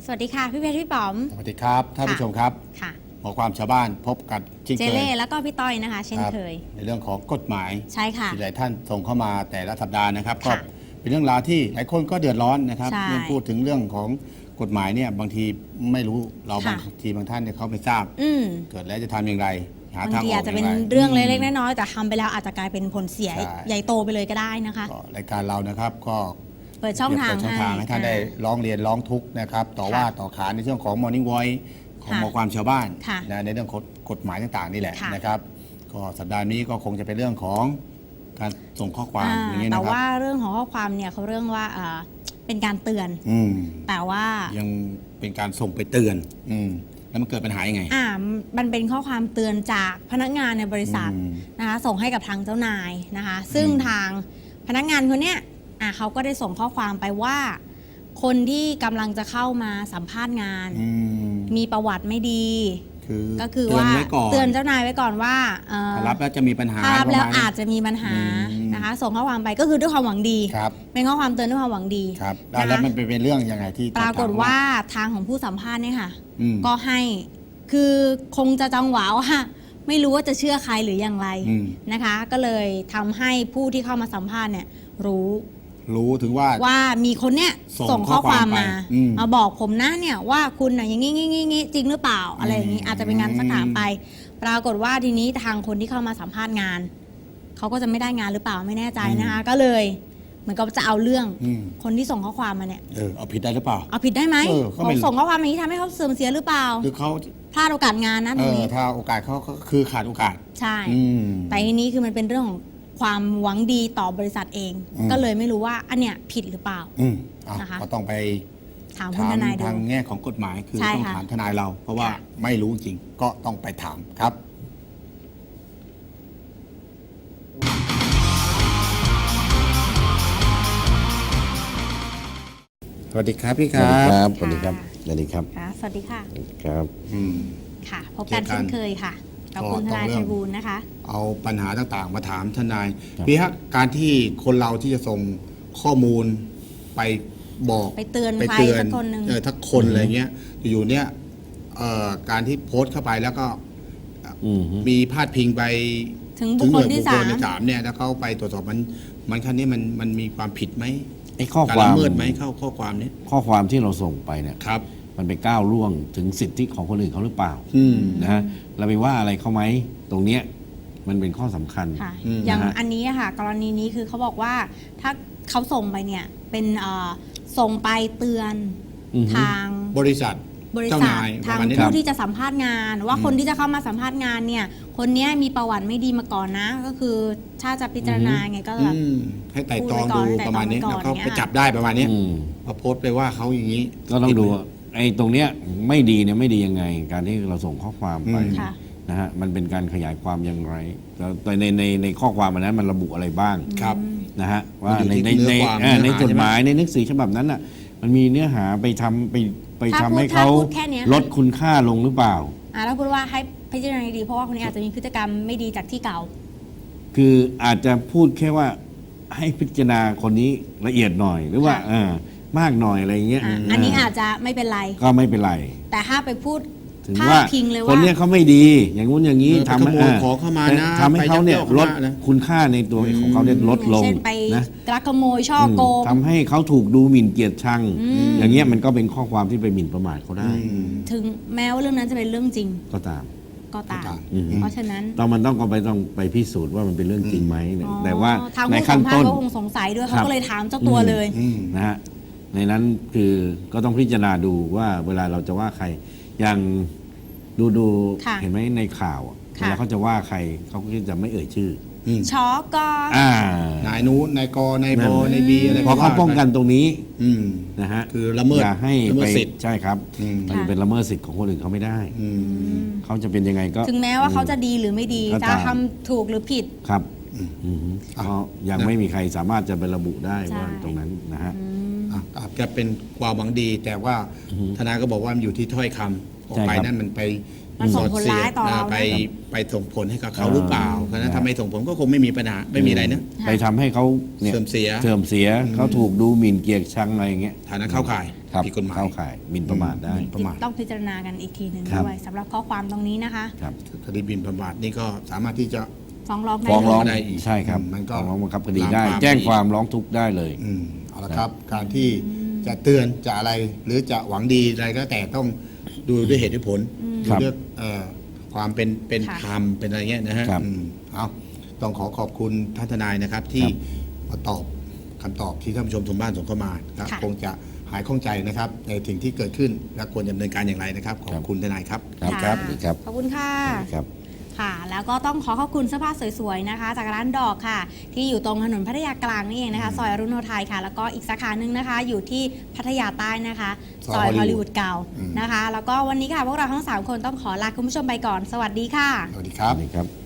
สวัสดีค่ะพี่เพชรพี่ป๋อมสวัสดีครับท่านผู้ชมครับค่ะหมอความชาวบ้านพบกับเจเล่แล้วก็พี่ต้อยนะคะ เช่นเคยในเรื่องของกฎหมายใช่ค่ะที่หลายท่านส่งเข้ามาแต่ละสัปดาห์นะครับก็เป็นเรื่องราวที่หลายคนก็เดือดร้อนนะครับเมื่อพูดถึงเรื่องของกฎหมายเนี่ยบางทีไม่รู้เราบางทีบางท่านเนี่ยเขาไม่ทราบเกิดแล้วจะทำอย่างไรหาทางออกอย่างไรอาจจะเป็นเรื่องเล็กๆน้อยๆแต่ทำไปแล้วอาจจะกลายเป็นผลเสียใหญ่โตไปเลยก็ได้นะคะรายการเรานะครับก็เปิดช่องทางให้ท่านได้ร้องเรียนร้องทุกข์นะครับต่อว่าต่อขานในเรื่องของ Morning Voice ของหมอความชาวบ้านในเรื่องกฎหมายต่างๆนี่แหละนะครับก็สัปดาห์นี้ก็คงจะเป็นเรื่องของการส่งข้อความอย่างนี้นะครับแต่ว่าเรื่องของข้อความเนี่ยเขาเรื่องว่าเป็นการเตือนแต่ว่ายังเป็นการส่งไปเตือนแล้วมันเกิดปัญหายังไงมันเป็นข้อความเตือนจากพนักงานในบริษัทนะคะส่งให้กับทางเจ้านายนะคะซึ่งทางพนักงานคนเนี้ยเขาก็ได้ส่งข้อความไปว่าคนที่กำลังจะเข้ามาสัมภาษณ์งานมีประวัติไม่ดีก็คือว่าเตือนเจ้านายไว้ก่อนว่าถ้ารับแล้วจะมีปัญหาถ้ารับแล้วอาจจะมีปัญหานะคะส่งข้อความไปก็คือด้วยความหวังดีเป็นข้อความเตือนด้วยความหวังดีครับแล้วมันเป็นเรื่องยังไงที่ปรากฏว่าทางของผู้สัมภาษณ์เนี่ยค่ะก็ให้คือคงจะจังหวะว่าไม่รู้ว่าจะเชื่อใครหรืออย่างไรนะคะก็เลยทำให้ผู้ที่เข้ามาสัมภาษณ์เนี่ยรู้ถึงว่ามีคนเนี้ยส่งข้อความมาบอกผมนะเนี่ยว่าคุณน่ะอย่างงี้จริงหรือเปล่าอะไรอย่างนี้อาจจะเป็นงานสักถามไปปรากฏว่าทีนี้ทางคนที่เข้ามาสัมภาษณ์งานเขาก็จะไม่ได้งานหรือเปล่าไม่แน่ใจนะคะก็เลยเหมือนกับจะเอาเรื่องคนที่ส่งข้อความมาเนี่ยเอาผิดได้หรือเปล่าเอาผิดได้ไหมส่งข้อความอย่างนี้ทำให้เขาเสื่อมเสียหรือเปล่าคือเขาพลาดโอกาสงานนะตรงนี้ถ้าโอกาสเขาคือขาดโอกาสใช่แต่ทีนี้คือมันเป็นเรื่องของความหวังดีต่อบริษัทเองก็เลยไม่รู้ว่าอันเนี้ยผิดหรือเปล่านะคะก็ต้องไปถามทนายทางแง่ของกฎหมายคือต้องถามทนายเราเพราะว่าไม่รู้จริงก็ต้องไปถามครับสวัสดีครับพี่ครับสวัสดีครับสวัสดีครับสวัสดีค่ะครับค่ะพบกันเช่นเคยค่ะกับคุณทนายไพบูลย์นะคะเอาปัญหาต่างๆมาถามทนายพี่ฮะการที่คนเราที่จะส่งข้อมูลไปบอกไปเตือนใครสักคนหนึ่งทักคนอะไรเงี้ยอยู่เนี่ยการที่โพสต์เข้าไปแล้วก็มีพาดพิงไปถึงบุคคลที่สามเนี่ยแล้วเขาไปตรวจสอบมันขั้นนี้มันมีความผิดไหมไอ้ข้อความละเมิดไหมข้อความนี้ข้อความที่เราส่งไปเนี่ยครับมันไปก้าวล่วงถึงสิทธิของคนอื่นเขาหรือเปล่านะฮะเราไปว่าอะไรเขาไหมตรงเนี้ยมันเป็นข้อสำคัญอย่างอันนี้ค่ะกรณีนี้คือเขาบอกว่าถ้าเขาส่งไปเนี่ยเป็นส่งไปเตือนทางบริษัททางผู้ที่จะสัมภาษณ์งานว่าคนที่จะเข้ามาสัมภาษณ์งานเนี่ยคนนี้มีประวัติไม่ดีมาก่อนนะก็คือถ้าจะพิจารณาไงก็แบบให้ไต่ตองดูประมาณนี้แล้วก็ไปจับได้ประมาณนี้พอโพสต์ไปว่าเขาอย่างนี้ก็ต้องดูไอ้ตรงเนี้ยไม่ดีเนี่ยไม่ดียังไงการที่เราส่งข้อความไปนะฮะมันเป็นการขยายความอย่างไรแต่ในข้อความอันนั้นมันระบุอะไรบ้างครับนะฮะว่าในจดหมายในหนังสือฉบับนั้นน่ะมันมีเนื้อหาไปทำให้เขาลดคุณค่าลงหรือเปล่าแล้วพูดว่าให้พิจารณาดีเพราะว่าคนนี้อาจจะมีพฤติกรรมไม่ดีจากที่เก่าคืออาจจะพูดแค่ว่าให้พิจารณาคนนี้ละเอียดหน่อยหรือว่ามากหน่อยอะไรเงี้ยอันนี้อาจจะไม่เป็นไรก็ไม่เป็นไรแต่ถ้าไปพูดถึงว่าคนเนี้ยเขาไม่ดีอย่างงู้นอย่างนี้ทำให้ขอเข้ามานะทำให้เขาเนี่ยลดคุณค่าในตัวของเขาเนี่ยลดลงนะลักขโมยช่อโกงทำให้เขาถูกดูหมิ่นเกียรติชังอย่างเงี้ยมันก็เป็นข้อความที่ไปหมิ่นประมาทเขาได้ถึงแม้ว่าเรื่องนั้นจะเป็นเรื่องจริงก็ตามเพราะฉะนั้นมันต้องไปพิสูจน์ว่ามันเป็นเรื่องจริงไหมแต่ว่าในขั้นต้นเขาคงสงสัยด้วยเขาก็เลยถามเจ้าตัวเลยนะฮะในนั้นคือก็ต้องพิจารณาดูว่าเวลาเราจะว่าใครอย่างดูเห็นไหมในข่าวเวลาเขาจะว่าใครเขาก็จะไม่เอ่ยชื่อช็อกนายนู้นนายกนายบนายบีอะไรเพราะเขาป้องกันตรงนี้นะฮะคือละเมิดให้ไปใช่ครับมันเป็นละเมิดสิทธิ์ของคนอื่นเขาไม่ได้เขาจะเป็นยังไงก็ถึงแม้ว่าเขาจะดีหรือไม่ดีจะทำถูกหรือผิดครับเพราะยังไม่มีใครสามารถจะไประบุได้ว่าตรงนั้นนะฮะอาจจะเป็นความหวังดีแต่ว่าทนายก็บอกว่ามันอยู่ที่ถ้อยคำออกไปนั่นมันไปมันส่งผลร้ายต่อเราไปส่งผลให้กับเขาหรือเปล่าเพราะฉะนั้นถ้าไม่ส่งผลก็คงไม่มีปัญหาไม่มีอะไรนะไปทำให้เขานี่ยเสื่อมเสียเขาถูกดูหมิ่นเกียรติชังอะไรอย่างเงี้ยฐานะเข้าข่ายครับผิดกฎหมายเข้าข่ายหมิ่นประมาทได้ประมาทต้องพิจารณากันอีกทีหนึ่งครับด้วยสำหรับข้อความตรงนี้นะคะครับคดีหมิ่นประมาทนี่ก็สามารถที่จะฟ้องร้องได้ฟ้องร้องได้อีกใช่ครับมันก็ฟ้องร้องบังคับคดีได้ตามความแจ้งความร้องทุกข์ได้เลยเอาละครับ การที่จะเตือนจะอะไรหรือจะหวังดีอะไรก็แต่ต้องดูด้วยเหตุด้วยผลคดูรับด้วยความเป็นค่ะธรรมเป็นอะไรเงี้ยนะฮะครับเอาต้องขอบคุณท่านทนายนะครับ ที่มาตอบคำตอบที่ท่านผู้ชมทางบ้านส่งเข้ามาครับค่ะคงจะหายข้องใจนะครับ ในสิ่งที่เกิดขึ้นและควรดำเนินการอย่างไรนะครับ ขอบคุณทนายครับครับค่ะสวัสดีครับขอบคุณค่ะครับค่ะ แล้วก็ต้องขอบคุณเสื้อผ้าสวยๆนะคะ จากร้านดอกค่ะ ที่อยู่ตรงถนนพัทยากลางนี่เองนะคะ ซอยอรุณโนไทยค่ะ แล้วก็อีกสาขาหนึ่งนะคะ อยู่ที่พัทยาใต้นะคะ ซอยฮอลลีวูดเก่านะคะ แล้วก็วันนี้ค่ะพวกเราทั้ง3คนต้องขอลาคุณผู้ชมไปก่อน สวัสดีค่ะสวัสดีครับสวัสดีครับ